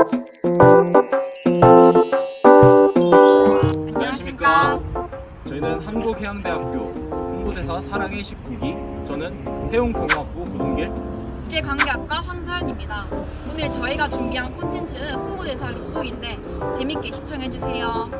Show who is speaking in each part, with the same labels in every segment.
Speaker 1: 안녕하십니까. 저희는 한국해양대학교 홍보대사 사랑의 19기, 저는 해운경영학부 고동길.
Speaker 2: 국제관계학과 황서연입니다. 오늘 저희가 준비한 콘텐츠는 홍보대사 룩북인데 재밌게 시청해주세요.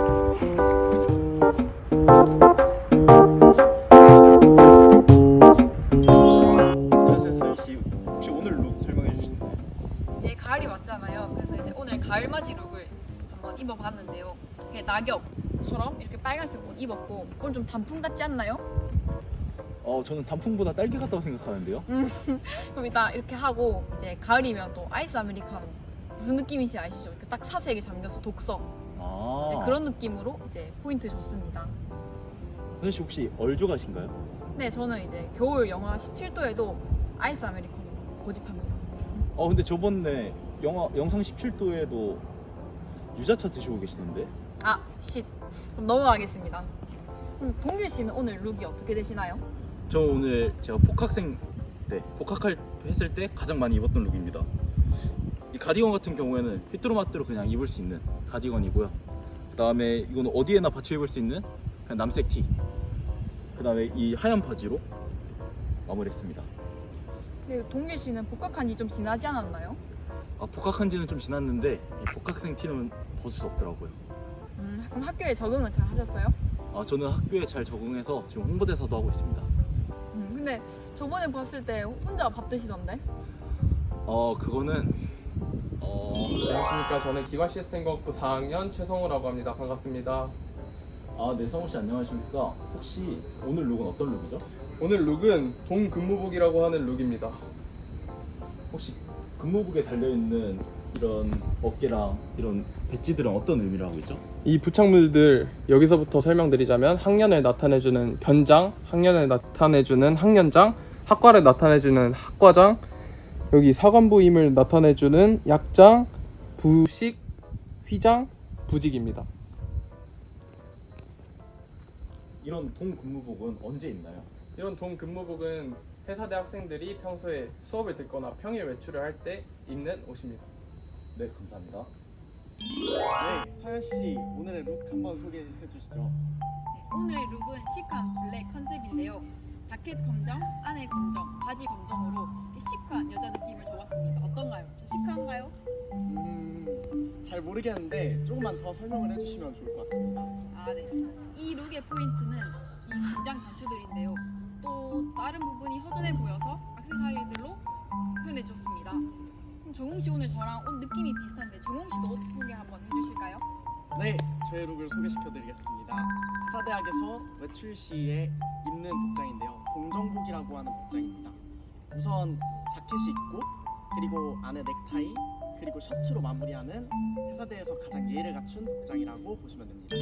Speaker 1: 안녕하세요, 서연씨. 혹시 오늘 룩 설명해 주시나요?
Speaker 2: 이제 가을이 왔잖아요. 그래서 이제 오늘 가을맞이 룩을 한번 입어봤는데요. 이게 낙엽처럼 이렇게 빨간색 옷 입었고 오늘 좀 단풍 같지 않나요?
Speaker 1: 저는 단풍보다 딸기 같다고 생각하는데요.
Speaker 2: 그럼 일단 이렇게 하고 이제 가을이면 또 아이스 아메리카노 무슨 느낌인지 아시죠? 이렇게 딱 사색에 잠겨서 독서 네, 그런 느낌으로 이제 포인트 줬습니다.
Speaker 1: 서연씨 혹시 얼조가신가요?
Speaker 2: 네, 저는 이제 겨울 영하 17도에도 아이스 아메리카노 고집합니다.
Speaker 1: 근데 저번에 영상 17도에도 유자차 드시고 계시는데?
Speaker 2: 아, 쉿. 그럼 넘어가겠습니다. 그럼 동길 씨는 오늘 룩이 어떻게 되시나요?
Speaker 1: 저 오늘 제가 복학생 때 했을 때 가장 많이 입었던 룩입니다. 이 가디건 같은 경우에는 휘뚜루마뚜루 그냥 입을 수 있는 가디건이고요. 그 다음에 이거는 어디에나 받쳐 입을 수 있는 그냥 남색 티. 그 다음에 이 하얀 바지로 마무리했습니다.
Speaker 2: 근데 동길 씨는 복학한 지 좀 지나지 않았나요?
Speaker 1: 복학한 지는 좀 지났는데 이 복학생 티는 벗을 수 없더라고요.
Speaker 2: 그럼 학교에 적응은 잘 하셨어요?
Speaker 1: 저는 학교에 잘 적응해서 지금 홍보대사도 하고 있습니다.
Speaker 2: 근데 저번에 봤을 때 혼자 밥 드시던데?
Speaker 1: 그거는
Speaker 3: 안녕하십니까. 저는 기관시스템과학부 4학년 최성우라고 합니다. 반갑습니다.
Speaker 1: 네, 성우씨 안녕하십니까. 혹시 오늘 룩은 어떤 룩이죠?
Speaker 3: 오늘 룩은 동근무복이라고 하는 룩입니다.
Speaker 1: 혹시 근무복에 달려있는 이런 어깨랑 이런 배지들은 어떤 의미를 하고 있죠?
Speaker 3: 이 부착물들 여기서부터 설명드리자면 학년을 나타내주는 변장, 학년을 나타내주는 학년장, 학과를 나타내주는 학과장, 여기 사관부임을 나타내주는 약장, 부식, 휘장, 부직입니다.
Speaker 1: 이런 동근무복은 언제 있나요?
Speaker 3: 이런 동근무복은 회사대 학생들이 평소에 수업을 듣거나 평일 외출을 할 때 입는 옷입니다.
Speaker 1: 네, 감사합니다.
Speaker 4: 네, 서연씨 오늘의 룩 한번 소개해 주시죠.
Speaker 2: 네, 오늘의 룩은 시크한 블랙 컨셉인데요. 자켓 검정, 안에 검정, 바지 검정으로 시크한 여자 느낌을 줘봤습니다. 어떤가요? 저 시크한가요?
Speaker 4: 잘 모르겠는데 조금만 더 설명을 해주시면 좋을 것 같습니다.
Speaker 2: 네. 이 룩의 포인트는 이 긴장 단추들인데요. 또 다른 부분이 허전해 보여서 액세서리들로 표현해줬습니다. 그럼 정웅 씨 오늘 저랑 옷 느낌이 비슷한데 정웅 씨도 옷 소개 한번 해주실까요?
Speaker 4: 네, 저의 룩을 소개시켜드리겠습니다. 사대학에서 외출 시에 입는 복장인데요. 동정복이라고 하는 복장입니다. 우선 자켓이 있고 그리고 안에 넥타이 그리고 셔츠로 마무리하는 회사대에서 가장 예의를 갖춘 복장이라고 보시면 됩니다.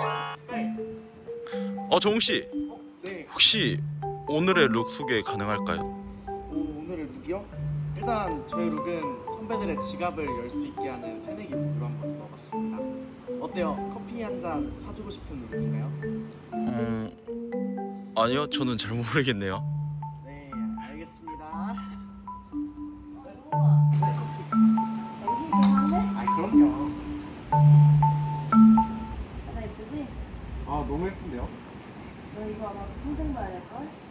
Speaker 1: 정웅씨,
Speaker 4: 네,
Speaker 1: 혹시 오늘의 룩 소개 가능할까요?
Speaker 4: 오늘의 룩이요? 일단 저의 룩은 선배들의 지갑을 열 수 있게 하는 새내기 룩으로 한번 입어봤습니다. 어때요? 커피 한 잔 사주고 싶은 룩인가요?
Speaker 1: 아니요, 저는 잘 모르겠네요.
Speaker 4: 네, 알겠습니다.
Speaker 5: 열심히 좋아하네?
Speaker 4: 아, 그럼요.
Speaker 5: 나 예쁘지?
Speaker 4: 아, 너무 예쁜데요?
Speaker 5: 너 이거 아마 평생 봐야 될걸?